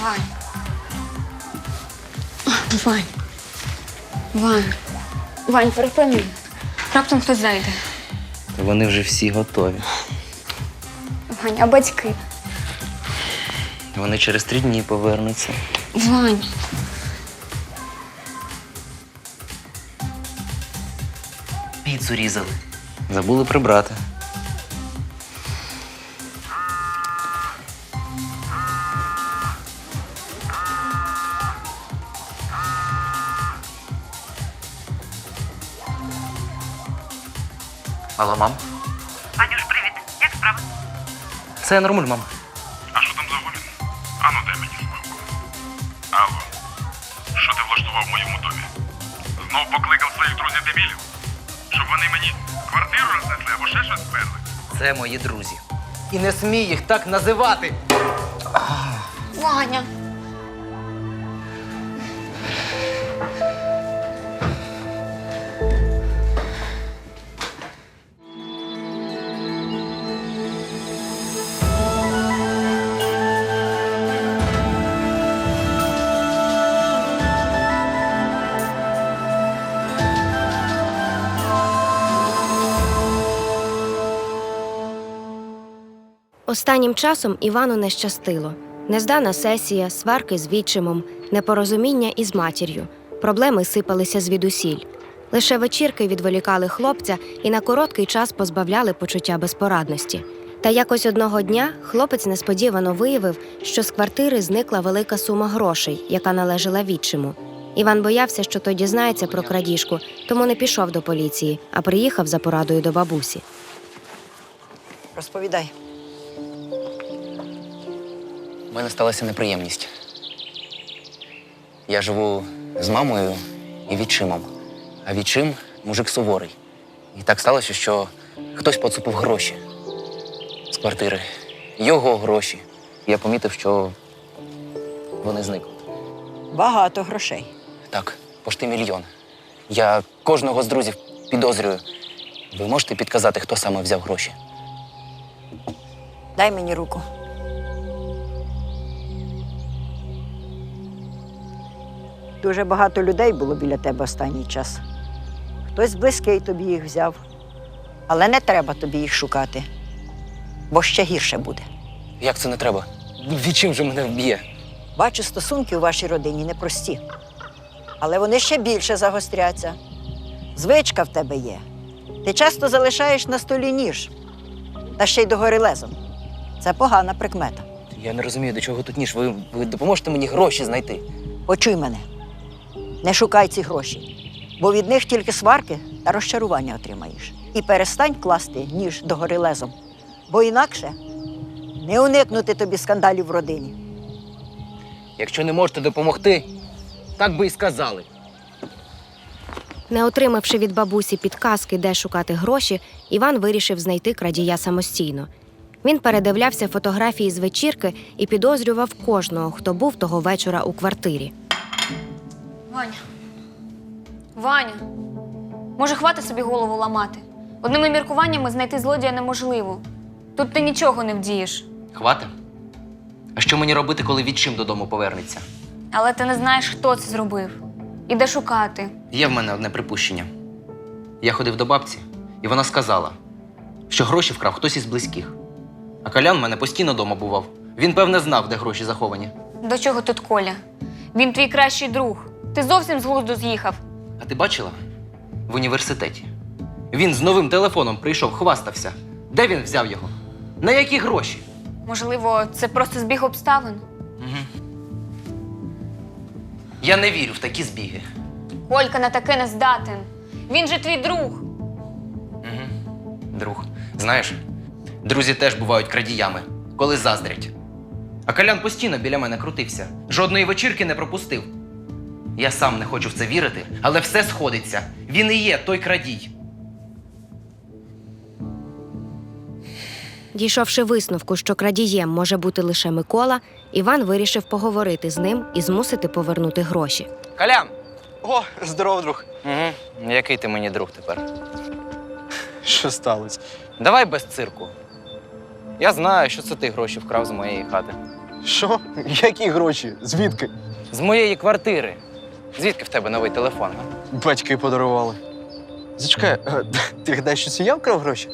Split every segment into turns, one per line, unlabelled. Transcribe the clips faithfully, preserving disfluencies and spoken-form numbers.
Вань. Вань. Вань. Вань, припини. Раптом хтось зайде.
Вони вже всі готові.
Вань, а батьки?
Вони через три дні повернуться.
Вань.
Піцу різали. Забули прибрати. Алло, мам?
Анюш, привіт. Як справи?
Це нормуль, мам.
А що там за гулін? Ану, дай мені слухавку. Алло, що ти влаштував в моєму домі? Знов покликав своїх друзів-дебілів? Щоб вони мені квартиру рознесли або ще щось сперли?
Це мої друзі. І не смій їх так називати.
Ваня.
Останнім часом Івану не щастило. Нездана сесія, сварки з відчимом, непорозуміння із матір'ю. Проблеми сипалися звідусіль. Лише вечірки відволікали хлопця і на короткий час позбавляли почуття безпорадності. Та якось одного дня хлопець несподівано виявив, що з квартири зникла велика сума грошей, яка належала відчиму. Іван боявся, що той дізнається про крадіжку, тому не пішов до поліції, а приїхав за порадою до бабусі.
Розповідай.
У мене сталася неприємність. Я живу з мамою і відчимом. А відчим – мужик суворий. І так сталося, що хтось поцупив гроші з квартири. Його гроші. Я помітив, що вони зникли.
Багато грошей.
Так, пошти мільйон. Я кожного з друзів підозрюю. Ви можете підказати, хто саме взяв гроші?
Дай мені руку. Дуже багато людей було біля тебе останній час. Хтось близький тобі їх взяв. Але не треба тобі їх шукати, бо ще гірше буде.
Як це не треба? Відчим же мене вб'є?
Бачу, стосунки у вашій родині непрості. Але вони ще більше загостряться. Звичка в тебе є. Ти часто залишаєш на столі ніж, та ще й догори лезом. Це погана прикмета.
Я не розумію, до чого тут ніж. Ви, ви допоможете мені гроші знайти?
Почуй мене. Не шукай ці гроші, бо від них тільки сварки та розчарування отримаєш. І перестань класти ніж догори лезом, бо інакше не уникнути тобі скандалів в родині.
Якщо не можете допомогти, так би і сказали.
Не отримавши від бабусі підказки, де шукати гроші, Іван вирішив знайти крадія самостійно. Він передивлявся фотографії з вечірки і підозрював кожного, хто був того вечора у квартирі.
Ваня. Ваня. Може, хватить собі голову ламати? Одними міркуваннями знайти злодія неможливо. Тут ти нічого не вдієш.
Хвати? А що мені робити, коли відчим додому повернеться?
Але ти не знаєш, хто це зробив. І де шукати.
Є в мене одне припущення. Я ходив до бабці, і вона сказала, що гроші вкрав хтось із близьких. А Колян в мене постійно дома бував. Він, певне, знав, де гроші заховані.
До чого тут Коля? Він твій кращий друг. Ти зовсім з глузду з'їхав.
А ти бачила? В університеті. Він з новим телефоном прийшов, хвастався. Де він взяв його? На які гроші?
Можливо, це просто збіг обставин?
Угу. Я не вірю в такі збіги.
Колька на таке не здатен. Він же твій друг.
Угу. Друг. Знаєш, друзі теж бувають крадіями, коли заздрять. А Колян постійно біля мене крутився. Жодної вечірки не пропустив. Я сам не хочу в це вірити, але все сходиться. Він і є той крадій.
Дійшовши висновку, що крадієм може бути лише Микола, Іван вирішив поговорити з ним і змусити повернути гроші.
Колян!
О, здоров, друг.
Угу. Який ти мені друг тепер?
Що сталося?
Давай без цирку. Я знаю, що це ти гроші вкрав з моєї хати.
Що? Які гроші? Звідки?
З моєї квартири. Звідки в тебе новий телефон? а?
Батьки подарували. Зачекай, е, ти гадаєш, що це я вкрав гроші?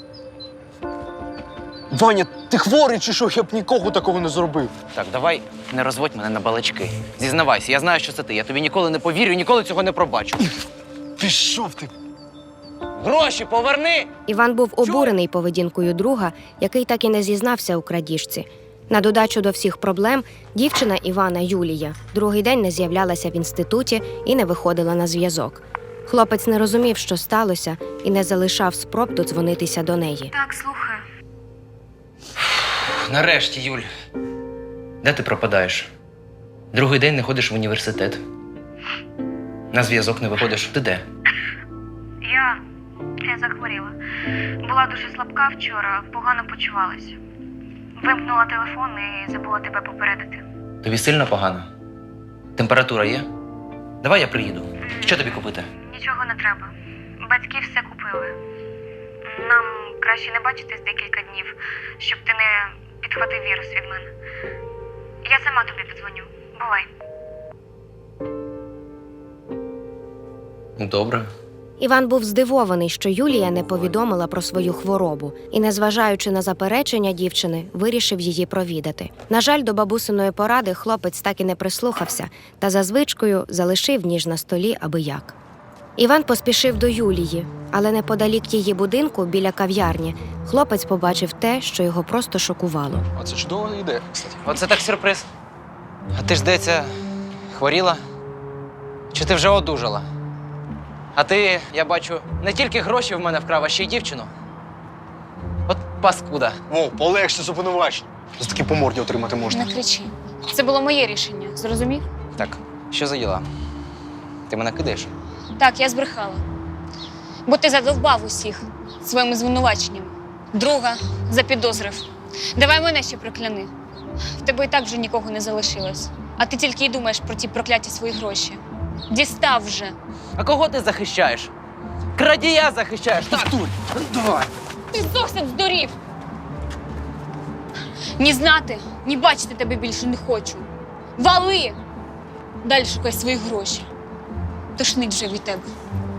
Ваня, ти хворий чи що? Я б нікого такого не зробив.
Так, давай не розводь мене на балачки. Зізнавайся, я знаю, що це ти. Я тобі ніколи не повірю, ніколи цього не пробачу.
Пішов ти.
Гроші поверни!
Іван був обурений поведінкою друга, який так і не зізнався у крадіжці. На додачу до всіх проблем, дівчина Івана Юлія другий день не з'являлася в інституті і не виходила на зв'язок. Хлопець не розумів, що сталося, і не залишав спроб додзвонитися до неї.
Так, слухаю.
Нарешті, Юль. Де ти пропадаєш? Другий день не ходиш в університет. На зв'язок не виходиш. Ти де?
Я. Я захворіла. Була дуже слабка вчора, погано почувалася. Вимкнула телефон і забула тебе попередити.
Тобі сильно погано? Температура є? Давай я приїду. Що тобі купити?
Нічого не треба. Батьки все купили. Нам краще не бачитись декілька днів, щоб ти не підхватив вірус від мене. Я сама тобі подзвоню. Бувай.
Добре.
Іван був здивований, що Юлія не повідомила про свою хворобу і, незважаючи на заперечення дівчини, вирішив її провідати. На жаль, до бабусиної поради хлопець так і не прислухався та за звичкою залишив ніж на столі аби як. Іван поспішив до Юлії, але неподалік її будинку, біля кав'ярні, хлопець побачив те, що його просто шокувало.
А це чудова ідея, кстати.
Оце так сюрприз. А ти ж, здається, хворіла? Чи ти вже одужала? А ти, я бачу, не тільки гроші в мене вкрав, а ще й дівчину. От паскуда.
О, полегше з обвинувачень. За такі по морді отримати можна.
Не кричи. Це було моє рішення, зрозумів?
Так, що за діла? Ти мене кидаєш?
Так, я збрехала. Бо ти задовбав усіх своїми звинуваченнями. Друга запідозрив. Давай мене ще прокляни. В тебе і так вже нікого не залишилось. А ти тільки й думаєш про ті прокляті свої гроші. Дістав вже.
А кого ти захищаєш? Крадія захищаєш, так?
Давай.
Ти зовсім здурів. Ні знати, ні бачити тебе більше не хочу. Вали! Далі шукай свої гроші. Тошнить вже від тебе.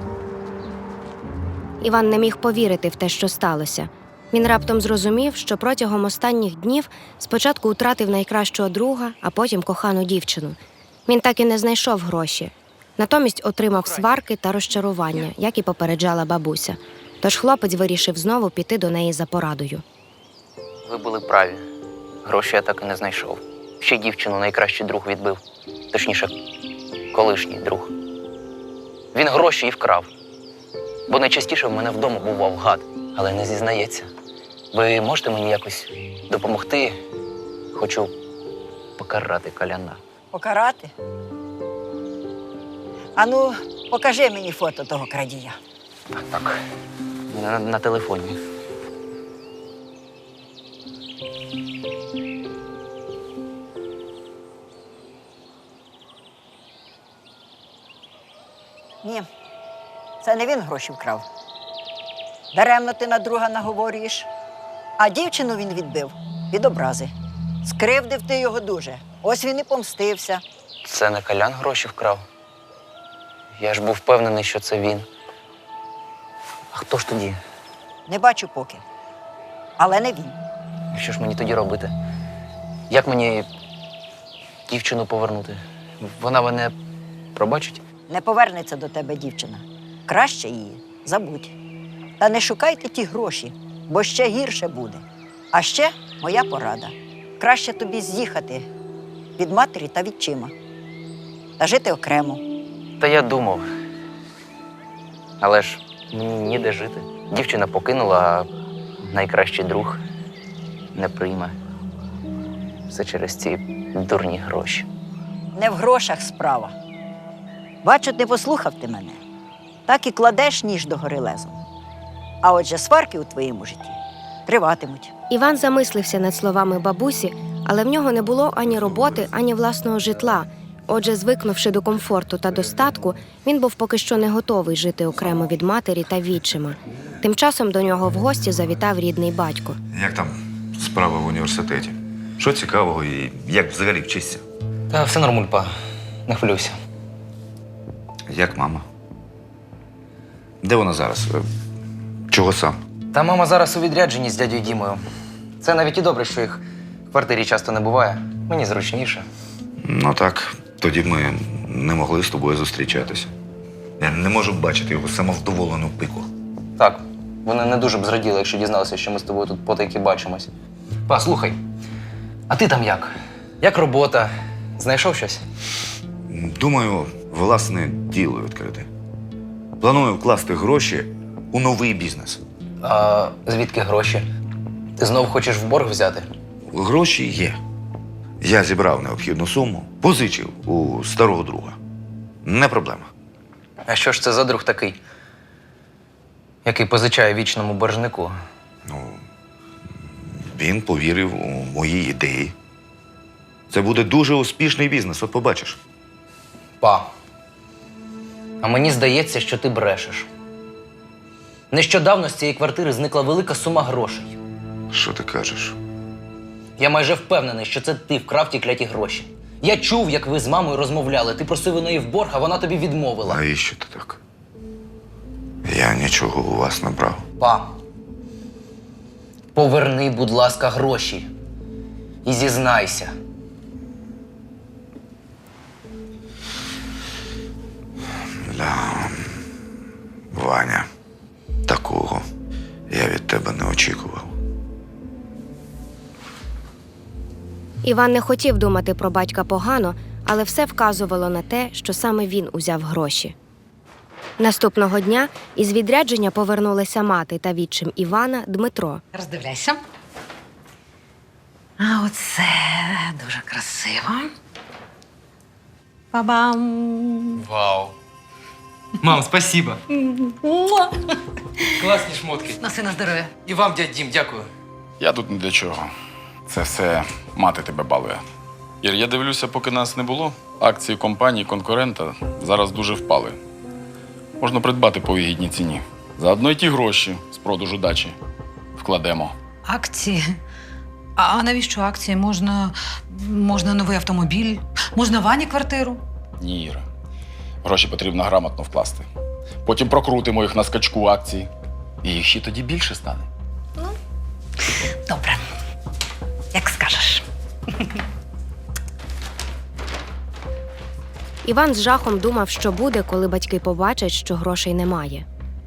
Іван не міг повірити в те, що сталося. Він раптом зрозумів, що протягом останніх днів спочатку втратив найкращого друга, а потім кохану дівчину. Він так і не знайшов гроші. Натомість отримав сварки та розчарування, як і попереджала бабуся. Тож хлопець вирішив знову піти до неї за порадою.
Ви були праві. Гроші я так і не знайшов. Ще дівчину найкращий друг відбив. Точніше, колишній друг. Він гроші і вкрав. Бо найчастіше в мене вдома бував гад, але не зізнається. Ви можете мені якось допомогти? Хочу покарати Коляна.
Покарати? Ану, покажи мені фото того крадія.
Так, так. На, на телефоні.
Ні, це не він гроші вкрав. Даремно ти на друга наговорюєш. А дівчину він відбив від образи. Скривдив ти його дуже. Ось він і помстився.
Це не Колян гроші вкрав. Я ж був впевнений, що це він. А хто ж тоді?
Не бачу поки. Але не він.
Що ж мені тоді робити? Як мені дівчину повернути? Вона мене пробачить?
Не повернеться до тебе дівчина. Краще її забудь. Та не шукайте ті гроші, бо ще гірше буде. А ще моя порада. Краще тобі з'їхати від матері та відчима. Та жити окремо.
Та я думав. Але ж мені ніде жити. Дівчина покинула, а найкращий друг не прийме. Все через ці дурні гроші.
Не в грошах справа. Бачу, не послухав ти мене. Так і кладеш ніж до гори лезом. А отже, сварки у твоєму житті триватимуть.
Іван замислився над словами бабусі, але в нього не було ані роботи, ані власного житла. Отже, звикнувши до комфорту та достатку, він був поки що не готовий жити окремо від матері та відчима. Тим часом до нього в гості завітав рідний батько.
Як там справа в університеті? Що цікавого і як взагалі вчишся?
Та все нормуль, па. Не хвилюйся.
Як мама? Де вона зараз? Е, Чого сам?
Та мама зараз у відрядженні з дядьою Дімою. Це навіть і добре, що їх в квартирі часто не буває. Мені зручніше.
Ну так, тоді б ми не могли з тобою зустрічатися. Я не можу бачити його самовдоволену пику.
Так, вони не дуже б зраділи, якщо дізналися, що ми з тобою тут потайки бачимось. Па, слухай, а ти там як? Як робота? Знайшов щось?
Думаю, власне діло відкрити. Планую вкласти гроші у новий бізнес.
А звідки гроші? Ти знов хочеш в борг взяти?
Гроші є. Я зібрав необхідну суму, позичив у старого друга. Не проблема.
А що ж це за друг такий, який позичає вічному боржнику?
Ну, він повірив у мої ідеї. Це буде дуже успішний бізнес, от побачиш.
Па, а мені здається, що ти брешеш. Нещодавно з цієї квартири зникла велика сума грошей.
Що ти кажеш?
Я майже впевнений, що це ти вкрав ті кляті гроші. Я чув, як ви з мамою розмовляли. Ти просив у неї в борг, а вона тобі відмовила.
Навіщо ти так? Я нічого у вас не брав.
Па, поверни, будь ласка, гроші. І зізнайся.
Ля... Ваня, такого я від тебе не очікував.
Іван не хотів думати про батька погано, але все вказувало на те, що саме він узяв гроші. Наступного дня із відрядження повернулися мати та відчим Івана Дмитро.
Роздивляйся. А оце дуже красиво. Па-бам!
Вау. Мам, спасибо. Класні шмотки.
Носи на здоров'я.
І вам, дядь Дім, дякую.
Я тут не для чого. Це все мати тебе балує. Ір, я дивлюся, поки нас не було, акції компанії конкурента зараз дуже впали. Можна придбати по вигідній ціні. Заодно й ті гроші з продажу дачі вкладемо.
Акції? А навіщо акції? Можна, можна новий автомобіль, можна Вані квартиру.
Ні, Іра. Гроші потрібно грамотно вкласти. Потім прокрутимо їх на скачку акцій. І їх ще тоді більше стане.
Добре. Як скажеш.
Іван з жахом думав, що буде, коли батьки побачать, що грошей немає.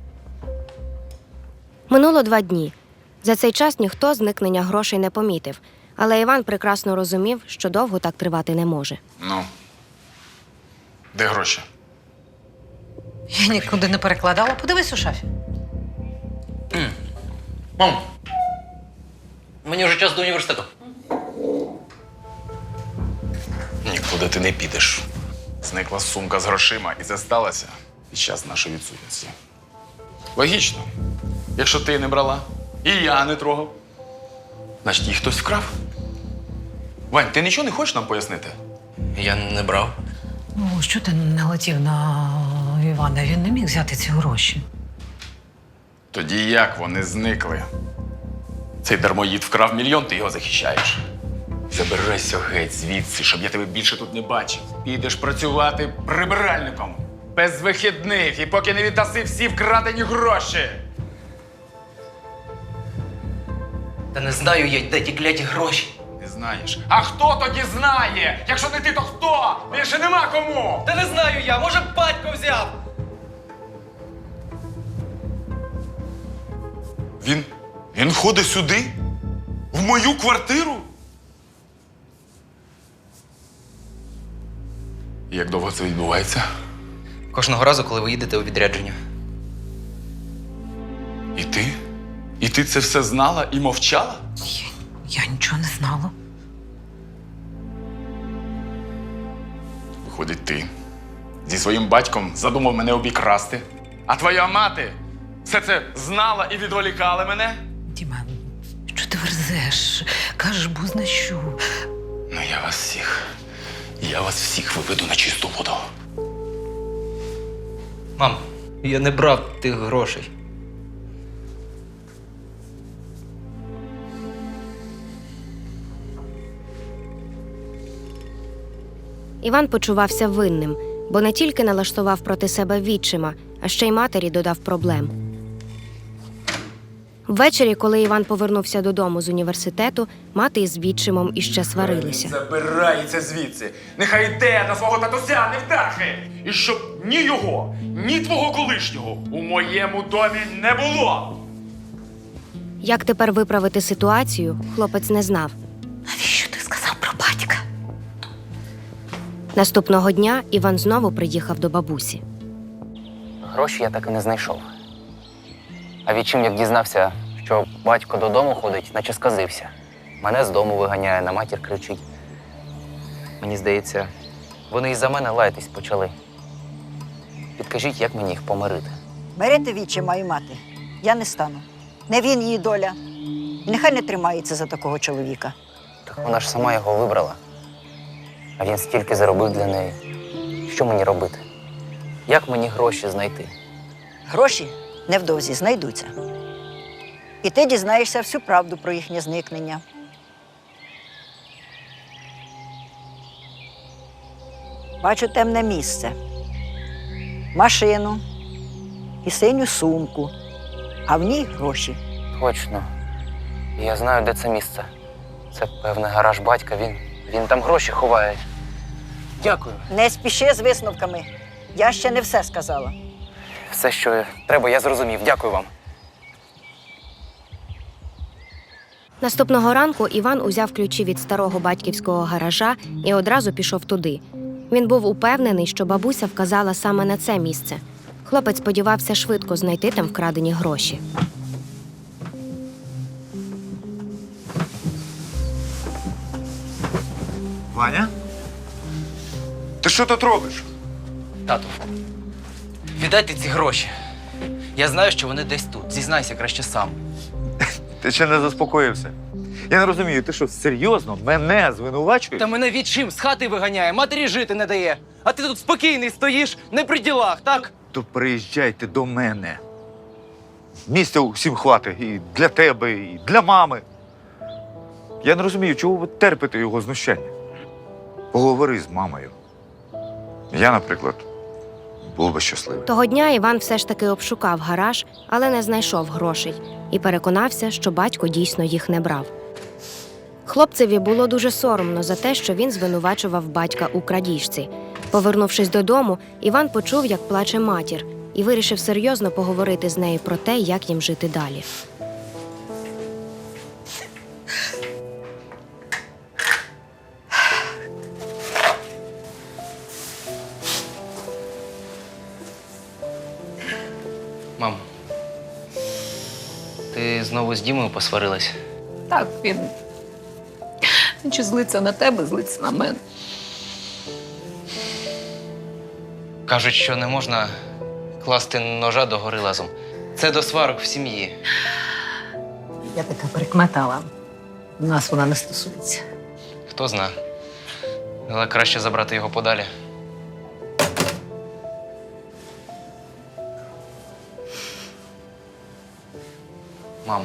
Минуло два дні. За цей час ніхто зникнення грошей не помітив, але Іван прекрасно розумів, що довго так тривати не може.
Ну, де гроші?
Я нікуди не перекладала. Подивись у шафі.
Мам, мені вже час до університету.
Нікуди ти не підеш. Зникла сумка з грошима, і це сталося під час нашої відсутності. Логічно. Якщо ти не брала, і я не трогав, значить її хтось вкрав. Вань, ти нічого не хочеш нам пояснити?
Я не брав.
Ну, що ти не летів на Івана? Він не міг взяти ці гроші.
Тоді як вони зникли? Цей дармоїд вкрав мільйон, ти його захищаєш. Забирайся геть звідси, щоб я тебе більше тут не бачив. Підеш працювати прибиральником. Без вихідних, і поки не віддаси всі вкрадені гроші.
Та не знаю я, де ті кляті гроші.
Не знаєш. А хто тоді знає? Якщо не ти, то хто? Більше нема кому!
Та не знаю я, може батько взяв.
Він. Він ходить сюди? В мою квартиру? І як довго це відбувається?
Кожного разу, коли ви їдете у відрядження.
І ти? І ти це все знала і мовчала?
Я, я нічого не знала.
Виходить, ти зі своїм батьком задумав мене обікрасти, а твоя мати все це знала і відволікала мене?
Діма, що ти верзеш? Кажеш, бозна що.
Ну я вас всіх, я вас всіх виведу на чисту воду.
Мам, я не брав тих грошей.
Іван почувався винним, бо не тільки налаштував проти себе відчима, а ще й матері додав проблем. Ввечері, коли Іван повернувся додому з університету, мати із відчимом іще сварилися.
Забирається звідси. Нехай йде на свого татуся, не вдахи. І щоб ні його, ні твого колишнього у моєму домі не було.
Як тепер виправити ситуацію, хлопець не знав.
Навіщо ти сказав про батька?
Наступного дня Іван знову приїхав до бабусі.
Гроші я так і не знайшов. А відчим, як дізнався, що батько додому ходить, наче сказився. Мене з дому виганяє, на матір кричить. Мені здається, вони із-за мене лаятись почали. Підкажіть, як мені їх помирити?
Мирити відчима і мати я не стану. Не він її доля. І нехай не тримається за такого чоловіка.
Так вона ж сама його вибрала. А він стільки заробив для неї. Що мені робити? Як мені гроші знайти?
Гроші невдовзі знайдуться. І ти дізнаєшся всю правду про їхнє зникнення. Бачу темне місце. Машину і синю сумку, а в ній гроші.
Точно. Я знаю, де це місце. Це, певне, гараж батька. Він, він там гроші ховає. Дякую.
Не спіши з висновками. Я ще не все сказала.
Все, що треба, я зрозумів. Дякую вам.
Наступного ранку Іван узяв ключі від старого батьківського гаража і одразу пішов туди. Він був упевнений, що бабуся вказала саме на це місце. Хлопець сподівався швидко знайти там вкрадені гроші.
Ваня? Ти що тут робиш?
Тату, віддайте ці гроші. Я знаю, що вони десь тут. Зізнайся краще сам.
Ти ще не заспокоївся. Я не розумію, ти що, серйозно мене звинувачуєш?
Та мене відчим з хати виганяє, матері жити не дає. А ти тут спокійний стоїш, не при ділах, так?
То приїжджайте до мене. Місця усім хватить і для тебе, і для мами. Я не розумію, чого ви терпите його знущання. Поговори з мамою. Я, наприклад, був би щасливий.
Того дня Іван все ж таки обшукав гараж, але не знайшов грошей і переконався, що батько дійсно їх не брав. Хлопцеві було дуже соромно за те, що він звинувачував батька у крадіжці. Повернувшись додому, Іван почув, як плаче матір, і вирішив серйозно поговорити з нею про те, як їм жити далі.
Мам, ти знову з Дімою посварилась?
Так, він. Він чи злиться на тебе, злиться на мене.
Кажуть, що не можна класти ножа до гори лазом. Це до сварок в сім'ї.
Я така прикметала. Нас вона не стосується.
Хто зна. Але краще забрати його подалі. Мам,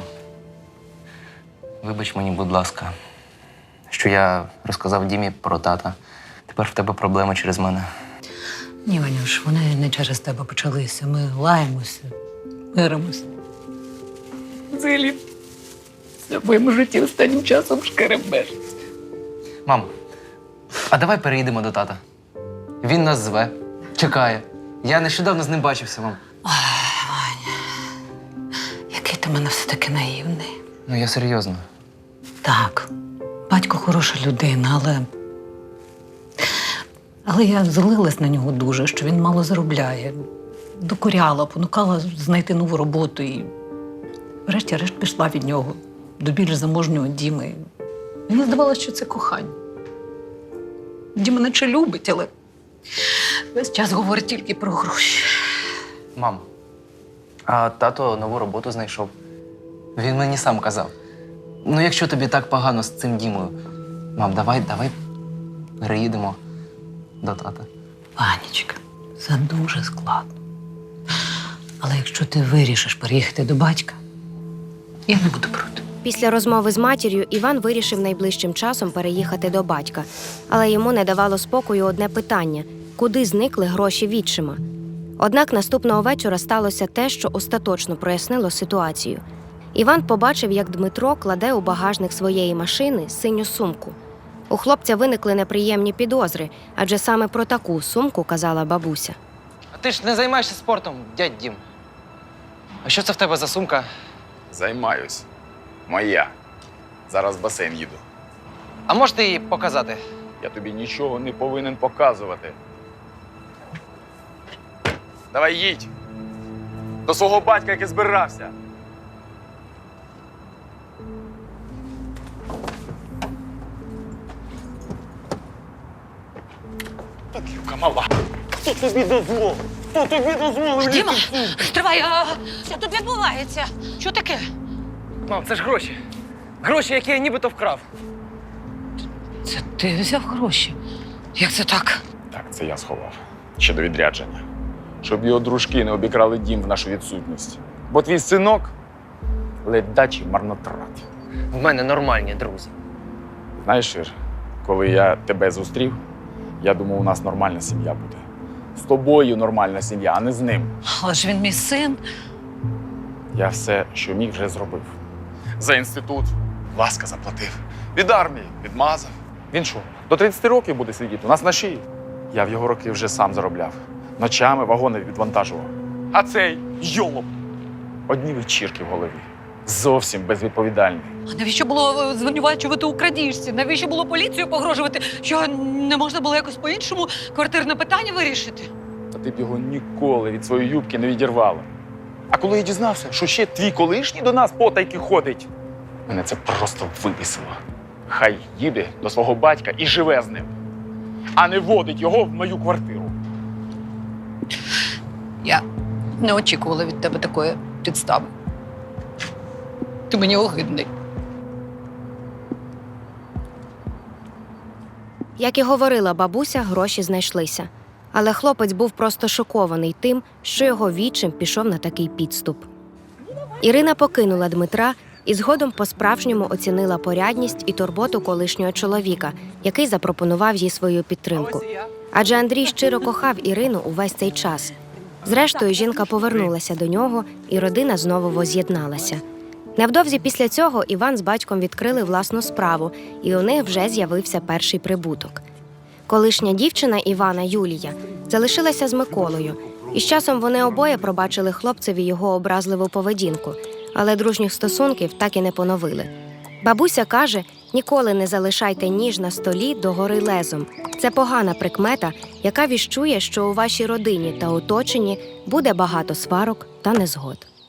вибач мені, будь ласка, що я розказав Дімі про тата. Тепер в тебе проблеми через мене.
Ні, Ванюш, вони не через тебе почалися. Ми лаємося, миримося. Взагалі, все в моєму житті останнім часом шкеребеш.
Мам, а давай переїдемо до тата. Він нас зве, чекає. Я нещодавно з ним бачився, мам.
Який ти в мене все-таки наївний.
Ну, я серйозно.
Так, батько хороша людина, але. Але я злилась на нього дуже, що він мало заробляє. Докоряла, понукала знайти нову роботу і врешті-решт пішла від нього до більш заможнього Діми. Мені здавалося, що це кохання. Діма наче любить, але весь час говорить тільки про гроші.
Мам, а тато нову роботу знайшов. Він мені сам казав. Ну, якщо тобі так погано з цим Дімою, мам, давай, давай переїдемо до тата.
Ванечка, це дуже складно. Але якщо ти вирішиш переїхати до батька, я не буду проти.
Після розмови з матір'ю Іван вирішив найближчим часом переїхати до батька. Але йому не давало спокою одне питання – куди зникли гроші відчима? Однак наступного вечора сталося те, що остаточно прояснило ситуацію. Іван побачив, як Дмитро кладе у багажник своєї машини синю сумку. У хлопця виникли неприємні підозри, адже саме про таку сумку казала бабуся.
А ти ж не займаєшся спортом, дядь Дім. А що це в тебе за сумка?
Займаюсь. Моя. Зараз в басейн їду.
А можете її показати?
Я тобі нічого не повинен показувати. Давай їдь. До свого батька, який збирався. Падлюка мала. Хто тобі дозволив? Хто тобі дозволив?
Діма, тривай, а що тут відбувається? Що таке?
Мам, це ж гроші. Гроші, які я нібито вкрав.
Це ти взяв гроші? Як це так?
Так, це я сховав. Ще до відрядження. Щоб його дружки не обікрали дім в нашу відсутність. Бо твій синок ледачий марнотрат.
В мене нормальні друзі.
Знаєш, Ір, коли я тебе зустрів, я думав, у нас нормальна сім'я буде. З тобою нормальна сім'я, а не з ним.
Але ж він мій син.
Я все, що міг, вже зробив. За інститут ласка заплатив. Від армії відмазав. Він що, до тридцяти років буде сидіти? У нас на шиї. Я в його роки вже сам заробляв. Ночами вагони відвантажував. А цей йолоп. Одні вечірки в голові. Зовсім безвідповідальний.
А навіщо було звинувачувати у крадіжці? Навіщо було поліцію погрожувати? Що не можна було якось по-іншому квартирне питання вирішити?
Та ти б його ніколи від своєї юбки не відірвала. А коли я дізнався, що ще твій колишній до нас потайки ходить, мене це просто вибісило. Хай їде до свого батька і живе з ним, а не водить його в мою квартиру.
Я не очікувала від тебе такої підстави. Ти мені огидний.
Як і говорила бабуся, гроші знайшлися. Але хлопець був просто шокований тим, що його відчим пішов на такий підступ. Ірина покинула Дмитра і згодом по-справжньому оцінила порядність і турботу колишнього чоловіка, який запропонував їй свою підтримку. Адже Андрій щиро кохав Ірину увесь цей час. Зрештою, жінка повернулася до нього, і родина знову воз'єдналася. Невдовзі після цього Іван з батьком відкрили власну справу, і у них вже з'явився перший прибуток. Колишня дівчина Івана, Юлія, залишилася з Миколою, і з часом вони обоє пробачили хлопцеві його образливу поведінку, але дружніх стосунків так і не поновили. Бабуся каже, ніколи не залишайте ніж на столі догори лезом. Це погана прикмета, яка віщує, що у вашій родині та оточенні буде багато сварок та незгод.